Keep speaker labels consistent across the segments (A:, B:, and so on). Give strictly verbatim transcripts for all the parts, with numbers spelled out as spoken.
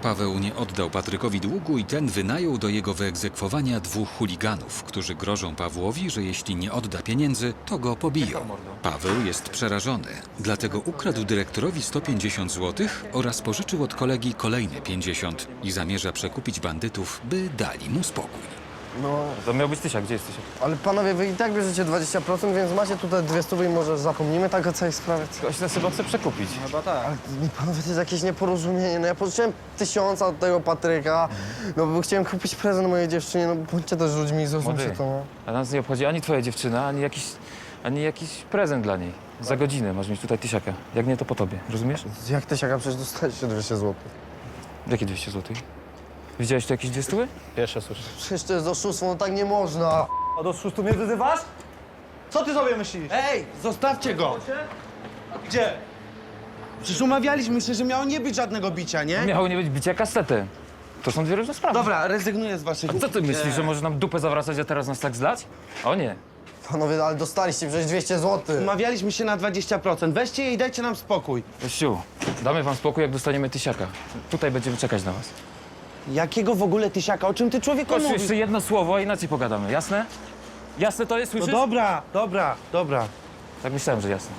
A: Paweł nie oddał Patrykowi długu i ten wynajął do jego wyegzekwowania dwóch chuliganów, którzy grożą Pawłowi, że jeśli nie odda pieniędzy, to go pobiją. Paweł jest przerażony, dlatego ukradł dyrektorowi sto pięćdziesiąt złotych oraz pożyczył od kolegi kolejne pięćdziesiąt i zamierza przekupić bandytów, by dali mu spokój.
B: No,
C: To miał być Tysiak, gdzie jest Tysiak?
B: ale panowie, wy i tak bierzecie dwadzieścia procent, więc macie tutaj dwie stówy i może zapomnimy tak o całej sprawie.
C: Ktoś nas chyba chce przekupić.
D: Chyba tak.
B: Ale mi, panowie, to jest jakieś nieporozumienie. No ja pożyczyłem tysiąca od tego Patryka, no bo chciałem kupić prezent mojej dziewczynie, no bądźcie też ludźmi i zrozumcie
C: Młody,
B: to, no.
C: a nas nie obchodzi ani twoja dziewczyna, ani jakiś, ani jakiś prezent dla niej. Za godzinę masz mieć tutaj Tysiaka. Jak nie, to po tobie. Rozumiesz?
B: Jak tysiaka, przecież dostaliście dwieście złotych.
C: Jakie dwieście złotych? Widziałeś tu jakieś dwie stóły?
D: Pierwsze słyszę.
B: Przecież to jest oszustwo, no tak nie można.
D: A do szóstu mnie wyzywasz? Co ty sobie myślisz?
E: Ej, zostawcie go!
D: Gdzie?
E: Przecież umawialiśmy się, że miało nie być żadnego bicia, nie?
C: Miało nie być bicia kastetem. To są dwie różne sprawy.
E: Dobra, rezygnuję z waszych...
C: A co ty myślisz, że możesz nam dupę zawracać, a teraz nas tak zlać? O nie.
B: Panowie, ale dostaliście przecież dwieście złotych.
E: Umawialiśmy się na dwadzieścia procent. Weźcie je i dajcie nam spokój.
C: Kościół, damy wam spokój, jak dostaniemy Tysiaka. Tutaj będziemy czekać na was.
E: Jakiego w ogóle tysiaka? O czym ty, człowieku,
C: Kościół,
E: mówisz?
C: jeszcze jedno słowo, a inaczej pogadamy, jasne? Jasne to jest,
E: No
C: słyszysz?
E: dobra, dobra, dobra.
C: Tak myślałem, że jasne.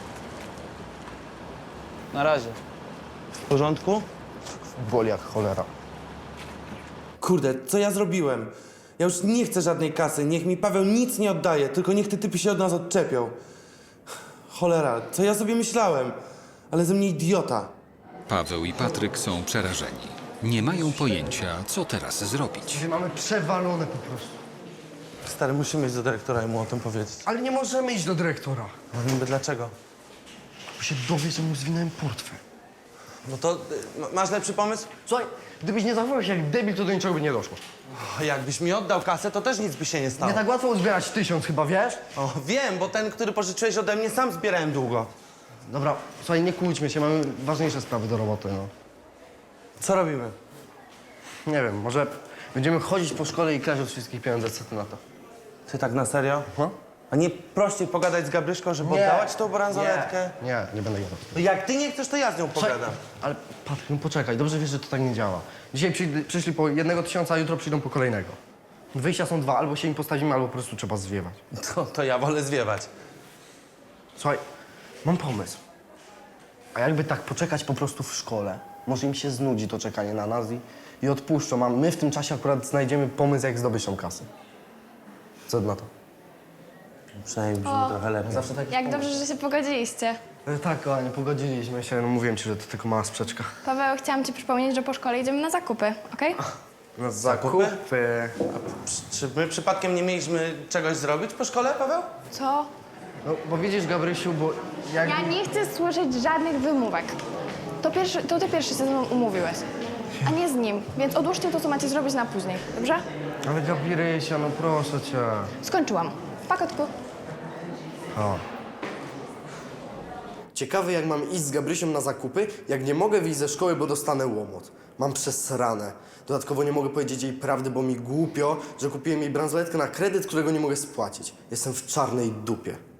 D: Na razie.
E: W porządku?
B: Boli jak cholera.
F: Kurde, co ja zrobiłem? Ja już nie chcę żadnej kasy, niech mi Paweł nic nie oddaje, tylko niech te typy się od nas odczepią. Cholera, co ja sobie myślałem? Ale ze mnie idiota.
A: Paweł i Patryk są przerażeni. Nie mają pojęcia, co teraz zrobić.
B: Dzisiaj mamy przewalone po prostu.
F: Stary, musimy iść do dyrektora i mu o tym powiedzieć.
B: Ale nie możemy iść do dyrektora.
F: No niby dlaczego?
B: Bo się dowie, że mu zwinąłem portfel.
F: No to y, ma- masz lepszy pomysł?
B: Słuchaj, gdybyś nie zachował się jak debil, to do niczego by nie doszło.
F: O, jakbyś mi oddał kasę, to też nic by się nie stało.
B: Nie tak łatwo uzbierać tysiąc chyba, wiesz?
F: O, wiem, bo ten, który pożyczyłeś ode mnie, sam zbierałem długo.
B: Dobra, słuchaj, nie kłóćmy się, mamy ważniejsze sprawy do roboty, no.
F: Co robimy?
B: Nie wiem, może będziemy chodzić po szkole i kraść od wszystkich pieniądze, co ty na to?
F: Ty tak na serio?
B: No?
F: A nie prościej pogadać z Gabryszką, żeby oddała ci tą bransoletkę?
B: Nie, nie, nie będę gadał.
F: No jak ty nie chcesz, to ja z nią pogadam.
B: Ale Patryk, no poczekaj, dobrze wiesz, że to tak nie działa. Dzisiaj przyjdę, przyszli po jednego tysiąca, a jutro przyjdą po kolejnego. Wyjścia są dwa, albo się im postawimy, albo po prostu trzeba zwiewać.
F: To, to ja wolę zwiewać.
B: Słuchaj, mam pomysł. A jakby tak poczekać po prostu w szkole? Może im się znudzi to czekanie na nas i, i odpuszczą, a my w tym czasie akurat znajdziemy pomysł, jak zdobyć tą kasę. Co ty na to?
F: Przynajmniej brzmi trochę lepiej.
B: Zawsze tak
G: Jak dobrze, że się pogodziliście.
B: E, Tak, kochanie, pogodziliśmy się. No mówiłem ci, że to tylko mała sprzeczka.
G: Paweł, chciałam ci przypomnieć, że po szkole idziemy na zakupy, okej?
B: Na
F: zakupy?
B: zakupy.
F: Czy my przypadkiem nie mieliśmy czegoś zrobić po szkole, Paweł?
G: Co?
B: No, bo widzisz, Gabrysiu, bo jak...
G: Ja nie chcę słyszeć żadnych wymówek. To, pierwszy, to ty pierwszy się ze mną umówiłeś, a nie z nim. Więc odłóżcie to, co macie zrobić na później, dobrze?
B: Ale Gabirysia, no proszę cię.
G: Skończyłam. Pakotku.
B: O. Ciekawy, jak mam iść z Gabrysią na zakupy, jak nie mogę wyjść ze szkoły, bo dostanę łomot. Mam przesrane. Dodatkowo nie mogę powiedzieć jej prawdy, bo mi głupio, że kupiłem jej bransoletkę na kredyt, którego nie mogę spłacić. Jestem w czarnej dupie.